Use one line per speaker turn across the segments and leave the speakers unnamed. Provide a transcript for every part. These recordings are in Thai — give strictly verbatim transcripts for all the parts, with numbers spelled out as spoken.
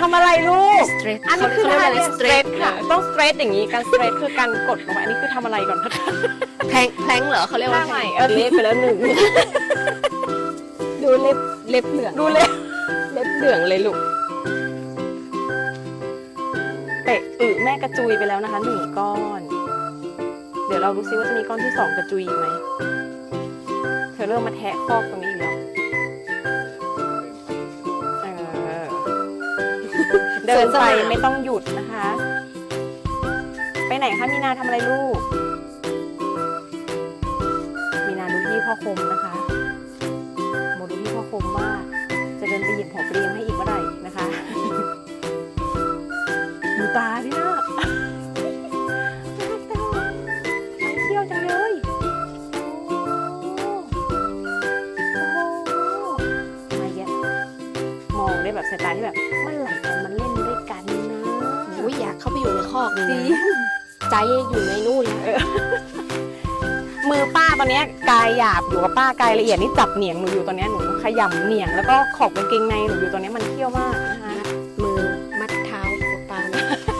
ำอะไรลูกอันนี้คือท่าสเตรทค่ะต้องสเตรทอย่างนี้การสเตรทคือการกดลงไปอันนี้คือทำอะไรก่อนคะ
แพลงแพลงเหรอเขาเรียกว่า
ใหม่เออเล็บไปแล้วหนึ่ง
ดูเล็บเล็บเหลือง
ดูเล็บเล็บเหลืองเลยลูกเตะอึแม่กระจุยไปแล้วนะคะหนึ่งก้อนเดี๋ยวเราดูซิว่าจะมีก้อนที่สองกระจุยอีกไหมเธอเริ่มมาแทะคอกตรงนี้อีกแล้วเดินไปไม่ต้องหยุดนะคะไปไหนคะมีนาทำอะไรลูกมีนาดูพี่พ่อคมนะคะโมดูพี่พ่อคมว่าจะเดินไปหยิบหัวปลีมาให้อีกเมื่อไหร่นะคะดูตาดินะมันเที่ยวจังเลยมาเยอะมองได้แบบสายตาที่แบบมันไหลกันมันเล่นด้วยกันนะ
อุ้ยอยากเข้าไปอยู่ในคอกนี่นะใจอยู่ในนู่นแล้ว
มือป้าตอนนี้กายหยาบอยู่กับป้ากายละเอียดนี่จับเหนียงหนูอยู่ตอนนี้หนูขยำเหนียงแล้วก็ขอบกางเกงในหนูอยู่ตอนนี้มันเที่ยวมากนะคะ
มือมัดเท้าป้า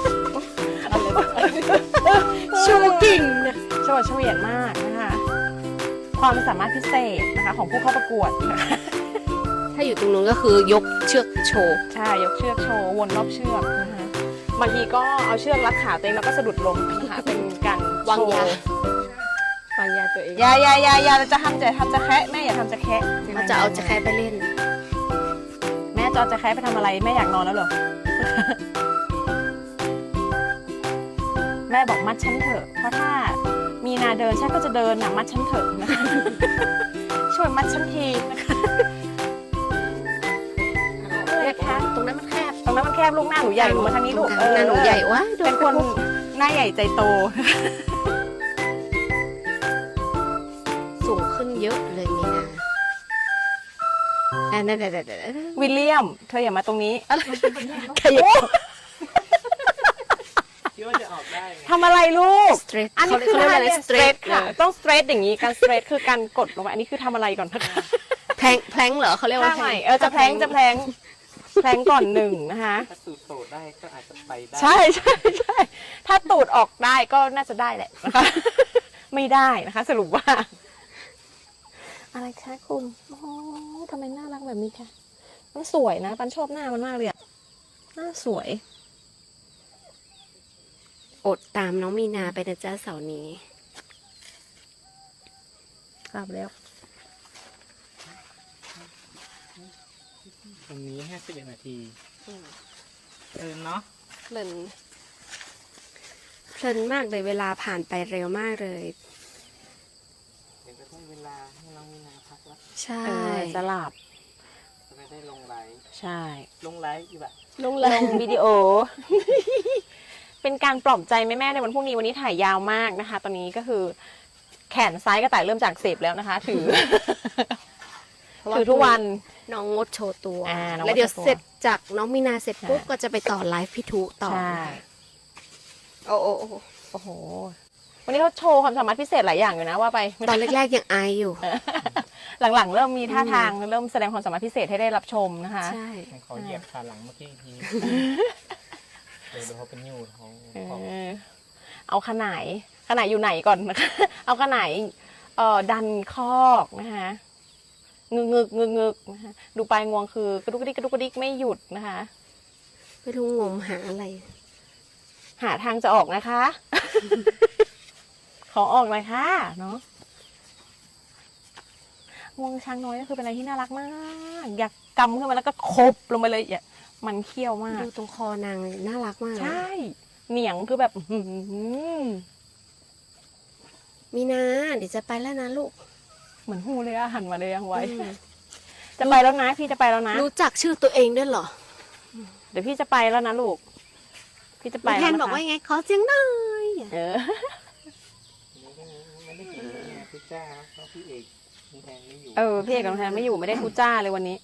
ชูกิ่ง
โชว์เฉวียนมากนะคะความสามารถพิเศษนะคะของผู้เข้าประกวด
ถ้าอยู่ตรงนู้นก็คือยกเชือกโชว์
ใช่ยกเชือกโชว์วนรอบเชือกนะคะบางทีก็เอาเชือกรัดขาตัวเองแล้วก็สะดุดล้มนะคะเป็นการ
วางยาวางยาตัวเอง
ยายายายาจะทำจะทำจะแคะแม่อย่าทำจะแคะ
เขาจะเอาจะแคะไปเล่น
แม่จะเอาจะแคะไปทำอะไรแม่อยากนอนแล้วเหรอแม่บอกมัดฉันเถอะเพราะถ้ามีนาเดินฉันก็จะเดินนะมัดฉันเถอะนะคะช่วยมัดฉันทีนะคะ
ตรงนั้นมันแคบ
ตรงนั้นมันแคบลูกหน้าหนูใหญ่หนูมาทางนี้ลูก
หน้าหนูใหญ่วะ
เป็นคนหน้าใหญ่ใจโต
สูงขึ้นเยอะเลยมีนาอ่านั่น
วิลเลียมเธออย่ามาตรงนี้
ขยับ
คิดว่าจะออกได้
ทำอะไรลูก
อันนี้คือท่าสเตรท
ค่ะต้องสเตรทอย่างนี้การสเตรทคือการกดลงไปอันนี้คือทำอะไรก่อนคะ
แพลงแพลงเหรอเขาเรียกว่า
แพลงเออจะแพลงจะแพลงแพลงก่อนหนึ่งนะคะ
ถ้าตูดโตได้ก็อาจจะไปได้
ใช่ใช่ใช่ถ้าตูดออกได้ก็น่าจะได้แหละนะคะไม่ได้นะคะสรุปว่าอะไรคะคุณโอ้ทำไมน่ารักแบบนี้คะมันสวยนะปันชอบหน้ามันมากเลยอะหน้าสวย
อดตามน้องมีนาไปนะจ๊ะเสาร์นี้
กลับแล้ว
ตรงนี้ห้าสิบเอ็ดนาทีเออเนาะ
เพลินเพลินมากเลยเวลาผ่านไปเร็วมากเลย
เดี๋ยวจะได้เวลาให้น้องมีนาพักแล้ว
ใช่
จะหลับ
จะไม่ได้ลงไลฟ์
ใช่
ลงไลฟ์อีกแบบ
ลงไลฟ์วิดีโอเป็นการปลอบใจแม่ๆในวันพรุ่งนี้วันนี้ถ่ายยาวมากนะคะตอนนี้ก็คือแขนซ้ายกระต่ายเริ่มจากเสพแล้วนะคะถือถือทุกวัน
น้องงดโชว์ตัวแล้วเดี๋ยวเสร็จจากน้องมีนาเสร็จปุ๊บก็จะไปต่อไลฟ์พี่ทุต่อโอ้โอ้
โอ้โหวันนี้เขาโชว์ความสามารถพิเศษหลายอย่างอยู่นะว่าไป
ตอนแรกๆยังอายอยู่
หลังๆเริ่มมีท่าทางเริ่มแสดงความสามารถพิเศษให้ได้รับชมนะคะ
ใช่ขอเหยียบขาหลังเมื่อกี้ทีเดี๋ยวเขาเป็นยูท้อง
เอาขนายขนายอยู่ไหนก่อนนะคะเอาขนายเอ่อดันคอกนะคะงึกงึกงึกงึกนะคะดูปลายงวงคือกระดุกกระดิกกระดุกกระดิกไม่หยุดนะคะ
ไม่รู้งมหาอะไร
หาทางจะออกนะคะขอออกหน่อยค่ะเนาะงวงช้างน้อยก็คือเป็นอะไรที่น่ารักมากอยากกำขึ้นมาแล้วก็คบลงไปเลยอย่ามันเขี้ยวมาก
ดูตรงคอนางน่ารักมาก
ใช่เหนียงคือแบบ
มีนาเดี๋ยวจะไปแล้วนะลูก
เหมือนหูเลยอะหันมาเลยยังไว้จะไปแล้วนะพี่จะไปแล้วนะ
รู้จักชื่อตัวเองด้วยเหรอ
เดี๋ยวพี่จะไปแล้วนะลูกพี่จะไป
แทนบอกว่าไงขอเสียงหน่อย
เออ
พี่จ้าเพราะพี่เอกแทนไม่อยู่
เออพี่เอกกับแทนไม่อยู่ไม่ได้ทูจ้าเลยวันนี้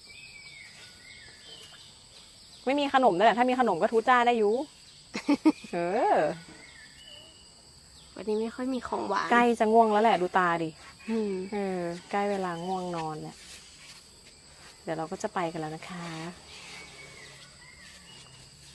ไม่มีขนมด้วยแหละถ้ามีขนมก็ทูจ้าได้อยู่เออ
วันนี้ไม่ค่อยมีของหวาน
ใกล้จะง่วงแล้วแหละดูตาดิเออใกล้เวลาง่วงนอนแล้วเดี๋ยวเราก็จะไปกันแล้วนะคะ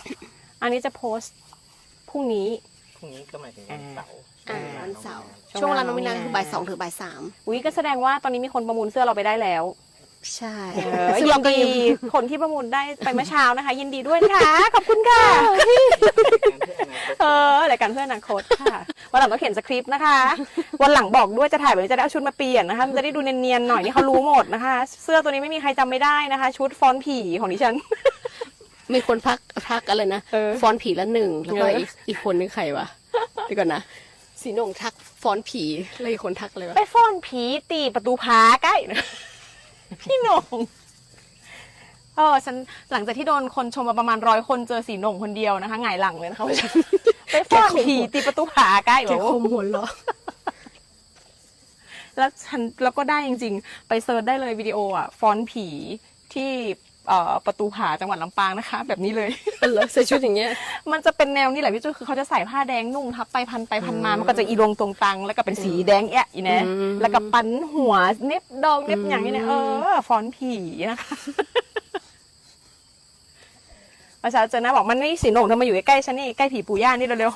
อันนี้จะโพสต์พรุ่งนี้
พรุ่งนี้ก็หมายถึงวันเสาร์
อ่าวันเสาร์
ช่วง
ช่วงเวลาน้อง
เว
มิ
ลา
นาคือบ่ายสองถึงบ่ายสาม
อุ้ยก็แสดงว่าตอนนี้มีคนประมูลเสื้อเราไปได้แล้ว
ใช่
เออ
ซึ่ง
ยิ
เรา
น
ก็
ดี
ยัง
คนที่ประมูลได้ไปเมื่อเช้านะคะ ยินดีด้วยนะคะขอบคุณค่ะ เออรายการเพื่ออนาคตค่ะวันหลังต้องเขียนสคริปต์นะคะ วันหลังบอกด้วยจะถ่ายแบบนี้จะได้เอาชุดมาเปลี่ยนนะคะมันจะได้ดูเนียนๆหน่อยนี่เขารู้หมดนะคะ เสื้อตัวนี้ไม่มีใครจำไม่ได้นะคะ ชุดฟอนต์ผีของดิฉัน
มีคนพักพักอะไรนะ
เออ
ฟอนต์ผีละหนึ่งแล้วก็
เอออี
อีกอีกคนนึงใครวะเดี๋ยวก่อนนะสีหนงทักฟอนต์ผีแล้วอีกคนทักอะไรวะ
ไปฟอนต์ผีตีประตูพาใกล้นะ พี่หนงเออฉันหลังจากที่โดนคนชมมาประมาณร้อยคนเจอสีหนงคนเดียวนะคะหงายหลังเลยนะคะ ว่าฉันไปฟอนต์ผีตีประตูผาใกล้
แก
แบบ
คมหัวเราะ
แล้วฉันแล้วก็ได้จริงๆ ไปเซิร์ชได้เลยวิดีโออ่ะฟอนต์ผีที่เอ่อประตูผาจังหวัดลำปางนะคะ แบบนี้เลย
แล้วใส่ชุดอย่างเงี้ย
มันจะเป็นแนวนี้แหละพี่จุ้ยคือเขาจะใส่ผ้าแดงนุ่งทับไปพันไปพันมา มันก็จะอีรวงตรงตัง แล้วก็เป็นสีแดงแอะอีนะ
อืม
แล้วก็ปันหัวเน็บดองเน็บอย่างนี้เนี่ยเออฟอนต์ผีนะคะประชาชนนะบอกมันนี่สีโหน่งทำไมอยู่ใกล้ๆฉันนี่ใกล้ผีปู่ย่านี่เร็ว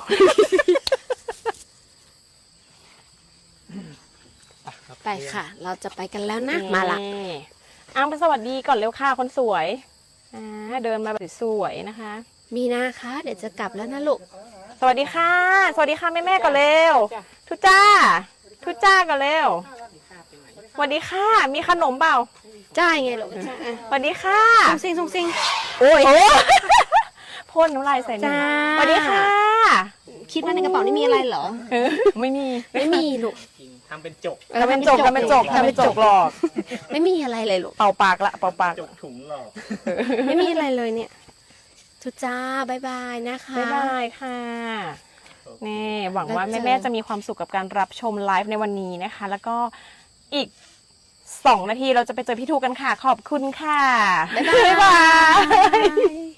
ไปค่ะ เราจะไปกันแล้วนะ
ๆ
มาละ
อ้าวไปสวัสดีก่อนเร็วค่ะคนสวยอ่าเดินมาแบบสวยๆนะคะ
มีนาคะเดี๋ยวจะกลับแล้วนะลูก
สวัสดีค่ะ สวัสดีค่ะแม่แม่ๆก่อนเร็ว ทุจ้า ทุจ้าก่อนเร็ว สวัสดีค่ะ มีขนมเปล่า
จ้าไงลูกจ้า
สวัสดีค่ะ
ซุงซิงซุงซิง
โอ้ยพ่นน้ำลายใส่หนึ่ง
จ้า
สวัสดีค่ะ
คิดว่าในกระเป๋านี่มีอะไรเหรอ
เออไม่มี
ไม่มีลูก
จริงทำเป็นจก
ทำเป็นจกทำเป็นจกทำเป็นจกหลอก
ไม่มีอะไรเลยลูก
เป่าปากละเป่าปาก
จกถุงหลอก
ไม่มีอะไรเลยเนี่ยทุจ้าบายบายนะคะ
บ๊ายบายค่ะนี่หวังว่า
แล้วเจอ
แม่ๆจะมีความสุขกับการรับชมไลฟ์ในวันนี้นะคะ แล้วก็อีกสองนาทีเราจะไปเจอพี่ทูกันค่ะ ขอบคุณค่ะ
บ๊ายบาย
บ๊ายบาย